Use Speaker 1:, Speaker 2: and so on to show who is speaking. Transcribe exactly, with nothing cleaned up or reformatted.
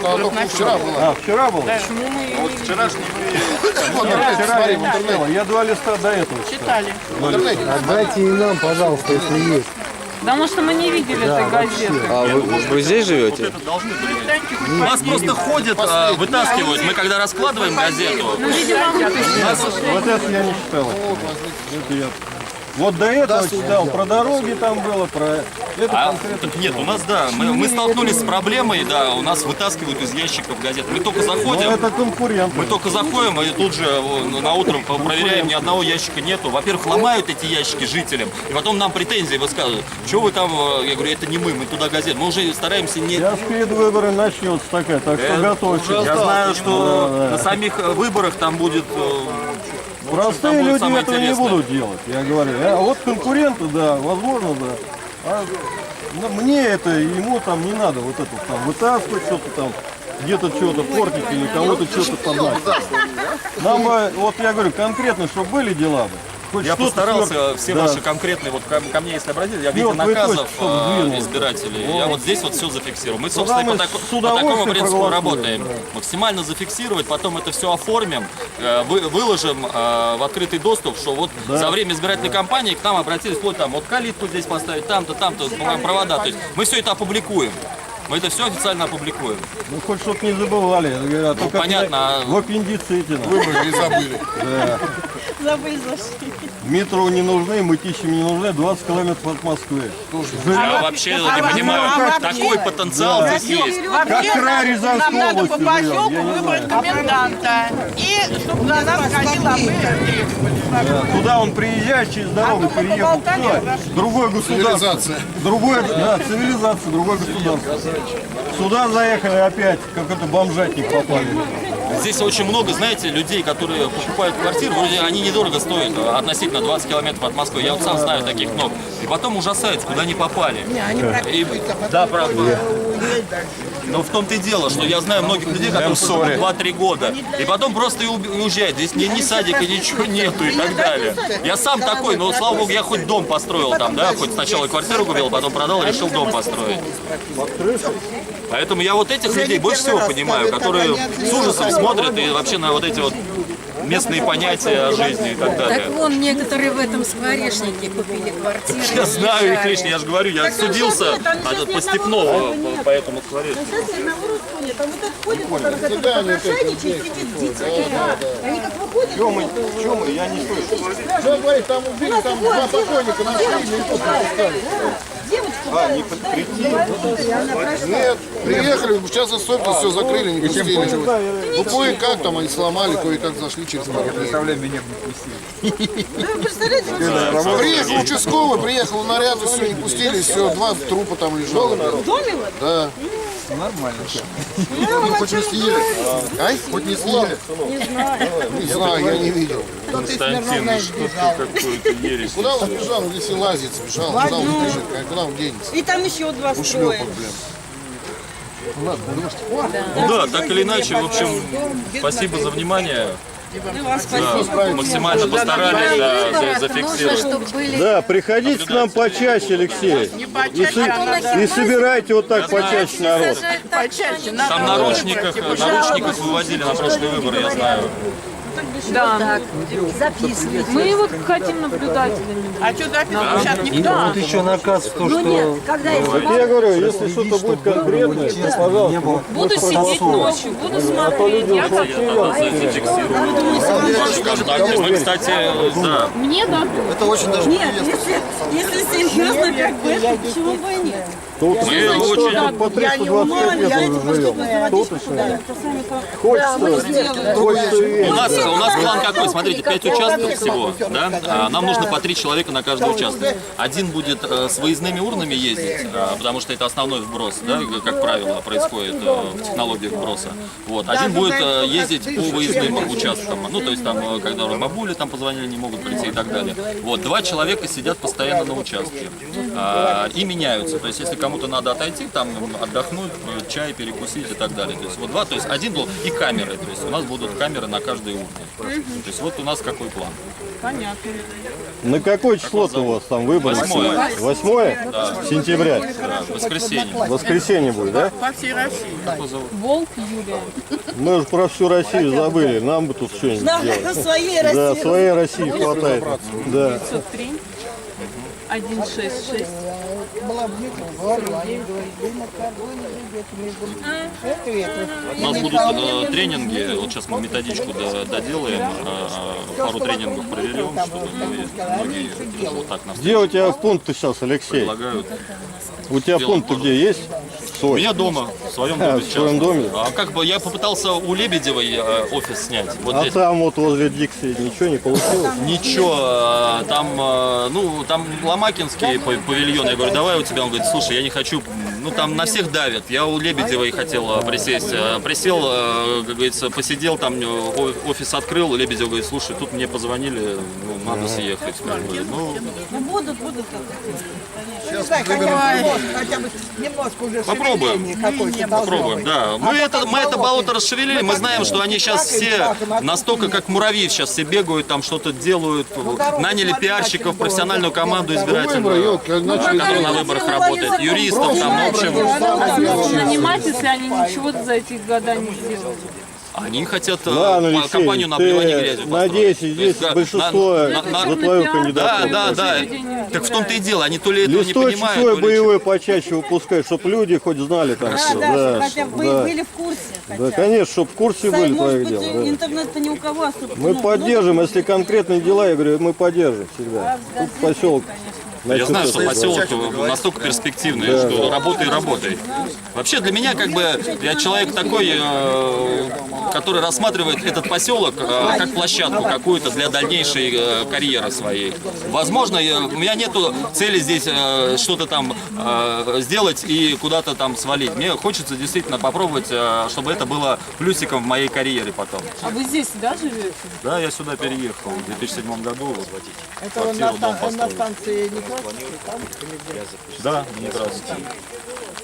Speaker 1: Это она только вчера была.
Speaker 2: А, вчера было?
Speaker 3: Почему мы
Speaker 4: Вот вчерашний
Speaker 2: Вчера я не читала. Я два листа до этого
Speaker 3: читали?
Speaker 1: В интернете.
Speaker 5: Отдайте и нам, пожалуйста, если есть.
Speaker 3: Потому что мы не видели этой газеты.
Speaker 6: А вы, вы здесь живете?
Speaker 4: это должны были. У нас просто ходят, а, вытаскивают. Мы когда раскладываем газету,
Speaker 3: Ну, видимо, мы
Speaker 2: Вот это я не читал. Это я... Вот до этого читал, про дороги там было, про... Это
Speaker 4: А,
Speaker 2: конкретно.
Speaker 4: так нет, у нас, да, мы, мы столкнулись с проблемой, да, у нас вытаскивают из ящиков газет. Мы только
Speaker 2: Ну,
Speaker 4: заходим,
Speaker 2: это конкурент.
Speaker 4: мы только заходим, и тут же э, на утром проверяем, ни одного ящика нету. Во-первых, ломают эти ящики жителям, и потом нам претензии высказывают. Что вы там, э, я говорю, это не мы, мы туда газет. Мы уже стараемся не...
Speaker 2: Сейчас перед выборами начнется такая, так что готовьтесь.
Speaker 4: Я знаю, что на самих э, выборах там будет... э,
Speaker 2: Простые
Speaker 4: там будет
Speaker 2: люди
Speaker 4: самое
Speaker 2: этого не
Speaker 4: интересное.
Speaker 2: будут делать, я говорю. А вот конкуренты, да, возможно, да. А, ну, мне это, ему там не надо вот это там вытаскивать, что-то там, где-то что-то портить или кого-то что-то поднять. Нам бы, вот я говорю, конкретно, чтобы были дела бы. Хоть
Speaker 4: Я
Speaker 2: что-то
Speaker 4: постарался
Speaker 2: сверх-
Speaker 4: все
Speaker 2: да.
Speaker 4: ваши конкретные, вот ко, ко мне если обратиться, я в виде
Speaker 2: вот вы
Speaker 4: наказов
Speaker 2: точно, чтобы
Speaker 4: э,
Speaker 2: сдвинули.
Speaker 4: избирателей, я вот здесь вот все зафиксирую. Мы,
Speaker 2: Туда
Speaker 4: собственно,
Speaker 2: мы
Speaker 4: по, тако-
Speaker 2: с
Speaker 4: по
Speaker 2: удовольствием
Speaker 4: такому принципу
Speaker 2: проголосуем,
Speaker 4: работаем.
Speaker 2: да.
Speaker 4: Максимально зафиксировать, потом это все оформим, э, вы, выложим э, в открытый доступ, что вот за время избирательной кампании к нам обратились, вот там, вот калитку здесь поставить, там-то, там-то, провода. То есть мы все это опубликуем. Мы это все официально опубликуем.
Speaker 2: Ну хоть чтобы не забывали. А то как
Speaker 4: понятно, а-
Speaker 2: В аппендиците.
Speaker 1: Выборы не забыли.
Speaker 7: Забыли зашли.
Speaker 2: Метро не нужны, мытищам не нужны, двадцать километров от Москвы.
Speaker 4: Я вообще не понимаю, такой потенциал здесь есть.
Speaker 2: Как край Рязанской
Speaker 7: Нам надо
Speaker 2: области
Speaker 7: по
Speaker 2: живем,
Speaker 7: поселку
Speaker 2: я не
Speaker 7: выбрать
Speaker 2: знаю.
Speaker 7: коменданта. И чтобы на нас ходил, а мы требовали.
Speaker 2: Туда он приезжает, через дорогу переехал. Все. Другое государство.
Speaker 1: Цивилизация.
Speaker 2: Другое, да, цивилизация, другое государство. Сюда заехали опять, как это бомжатник попали.
Speaker 4: Здесь очень много, знаете, людей, которые покупают квартиру, вроде они недорого стоят, относительно двадцать километров от Москвы. Я вот сам знаю таких много. И потом ужасаются, куда они попали. И, да, правда. Но в том-то и дело, что я знаю многих людей, которые живут два-три года, и потом просто и уб- и уезжают. Здесь ни, ни садика, ничего нету и так далее. Я сам такой, но, слава богу, я хоть дом построил там, да, хоть сначала квартиру купил, потом продал, решил дом построить. Поэтому я вот этих людей больше всего понимаю, которые с ужасом смотрят и вообще на вот эти вот местные понятия о жизни и так далее.
Speaker 8: Так вон некоторые в этом скворечнике купили квартиры.
Speaker 4: Я знаю их лично, я же говорю, я судился а, по Степнову по, по этому скворечнику.
Speaker 1: Всегда они опять
Speaker 7: Они как выходят,
Speaker 2: Чем мы, чем мы, я не слышу.
Speaker 1: Что говорит, там убили, там два покойника нашли, и тут остались.
Speaker 2: А, не при- прийти?
Speaker 1: Нет, приехали, сейчас особенно все закрыли, не пустили. Ну, кое-как там они сломали, кое-как зашли через пару дней. Приехал участковый, приехал наряд, и все, не пустили, все, два трупа там лежало.
Speaker 7: в доме вот.
Speaker 1: Да.
Speaker 7: Ну,
Speaker 1: Хоть не съели. А? Хоть не съели.
Speaker 7: Не знаю.
Speaker 1: Не знаю, я не видел.
Speaker 4: Константин, ну что ты какой-то ересь.
Speaker 1: Куда он бежал? Здесь и лазит, бежал. Куда он бежит? Куда он денется?
Speaker 7: И там еще два строя.
Speaker 1: Ушлепок, блин.
Speaker 4: Ну да, так или иначе, в общем, спасибо за внимание.
Speaker 7: Мы вам спасибо.
Speaker 4: Максимально постарались, да, за-
Speaker 8: Нужно,
Speaker 4: зафиксировать.
Speaker 8: чтобы были...
Speaker 2: Да, приходите к нам почаще, Алексей. И, со- и собирайте вот так почаще народ.
Speaker 8: Сажать так, что они-
Speaker 4: Там наручниках, наручниках выводили на прошлые выборы, я знаю.
Speaker 3: Да.
Speaker 8: записывайте.
Speaker 3: Мы вот хотим наблюдателями.
Speaker 7: А что записывать? Сейчас никто.
Speaker 5: Вот еще наказ, то, что
Speaker 2: Вот я говорю, если что-то будет конкретное, то, пожалуйста.
Speaker 3: Буду сидеть ночью, буду смотреть. Я как...
Speaker 4: Так, мы, кстати, да,
Speaker 3: Мне да.
Speaker 7: Нет, если, если серьезно, как бы, это почему бы и нет.
Speaker 2: Тут
Speaker 4: мы очень...
Speaker 2: по триста двадцать пять лет уже живем. Тут еще. Хочется, хочется
Speaker 4: У
Speaker 2: верить.
Speaker 4: нас, у нас план какой? Смотрите, пять участков всего, да? А, нам нужно по три человека на каждый участок. Один будет э, с выездными урнами ездить, э, потому что это основной вброс, да, как правило, происходит э, в технологиях вброса. Вот. Один будет э, ездить по выездным участкам, ну, то есть там, э, когда бабули там позвонили, не могут прийти и так далее. Вот. Два человека сидят постоянно на участке. а, и меняются. То есть, если кому-то надо отойти, там отдохнуть, чай перекусить и так далее. То есть, вот два, то есть один был и камеры. То есть, у нас будут камеры на каждой урне. То есть, вот у нас какой план.
Speaker 3: Понятно.
Speaker 2: На какое число-то у вас там выборы?
Speaker 4: Восьмое.
Speaker 2: Восьмое? Сентября.
Speaker 4: Да, в воскресенье.
Speaker 2: Воскресенье будет, да?
Speaker 3: Волк Юлия.
Speaker 2: Мы уже про всю Россию забыли. Нам бы тут что-нибудь сделать.
Speaker 8: своей
Speaker 2: Да, своей России хватает. Да.
Speaker 3: пятьсот три. один шесть шесть.
Speaker 4: У нас будут э, тренинги, вот сейчас мы методичку до- доделаем, э, пару тренингов проведем, чтобы мы- многие вот так нас
Speaker 2: Где у тебя пункт сейчас, Алексей?
Speaker 4: предлагают.
Speaker 2: У тебя пункт где есть?
Speaker 4: У
Speaker 2: Свой.
Speaker 4: меня дома, в своем
Speaker 2: А,
Speaker 4: доме
Speaker 2: в
Speaker 4: сейчас.
Speaker 2: своем доме?
Speaker 4: А как бы я попытался у Лебедевой э, офис снять. Вот
Speaker 2: А
Speaker 4: здесь.
Speaker 2: там вот возле Дикси ничего не получилось?
Speaker 4: Ничего, э, там, э, ну, там Ломакинский пав- павильон, я говорю, давай у тебя, он говорит, слушай, я не хочу, ну, там на всех давят, я у Лебедевой хотел э, присесть, Э, присел, э, как говорится, посидел, там э, о- офис открыл, Лебедев говорит, слушай, тут мне позвонили, ну, надо съехать. Говорю, ну,
Speaker 8: Будут, будут.
Speaker 9: Хотя бы немножко уже
Speaker 4: Попробуем. Попробуем, да. Мы это, мы это болото расшевелили, мы знаем, что они сейчас все настолько как муравьи сейчас все бегают, там что-то делают, наняли пиарщиков, профессиональную команду избирательную, которая на выборах работает, юристов, там, ну, в общем,
Speaker 3: Нанимать, если они ничего за эти года не сделали.
Speaker 4: они хотят э,
Speaker 2: Ладно,
Speaker 4: по-
Speaker 2: Алексей,
Speaker 4: компанию на обливание
Speaker 2: ты
Speaker 4: грязью
Speaker 2: надеюсь,
Speaker 4: построить.
Speaker 2: здесь
Speaker 4: То есть,
Speaker 2: большинство
Speaker 4: на- на- на-
Speaker 2: за твою
Speaker 4: Да,
Speaker 2: кандидатуру.
Speaker 4: да, да. Так в том-то и дело, они то ли этого не
Speaker 2: Листочек
Speaker 4: понимают,
Speaker 2: свой
Speaker 4: то ли
Speaker 2: боевой почаще выпускай, чтобы люди хоть знали там все. Да,
Speaker 8: Хотя бы
Speaker 2: да.
Speaker 8: были в курсе.
Speaker 2: Да, конечно, чтобы в курсе были
Speaker 8: Может
Speaker 2: твоих
Speaker 8: быть,
Speaker 2: дел. да.
Speaker 8: интернет-то ни у кого особо.
Speaker 2: Мы
Speaker 8: ну,
Speaker 2: поддержим, если конкретные дела, я говорю, мы поддержим всегда. Тут поселок.
Speaker 4: Я знаю,
Speaker 2: значит,
Speaker 4: что
Speaker 2: это-
Speaker 4: поселок настолько перспективный, что работай, работай. Вообще для меня как бы я человек такой, э, который рассматривает этот поселок э, как площадку какую-то для дальнейшей э, карьеры своей. Возможно, я- у меня нету цели здесь э, что-то там э, сделать и куда-то там свалить. Мне хочется действительно попробовать, э, чтобы это было плюсиком в моей карьере потом.
Speaker 3: А вы здесь, да, живете?
Speaker 4: Да, я сюда переехал в две тысячи седьмом году.
Speaker 9: Это он
Speaker 4: Квартиру,
Speaker 9: на,
Speaker 4: дом
Speaker 9: ста- на
Speaker 4: построил.
Speaker 9: станции Некрасовской, там?
Speaker 4: Да, не раз.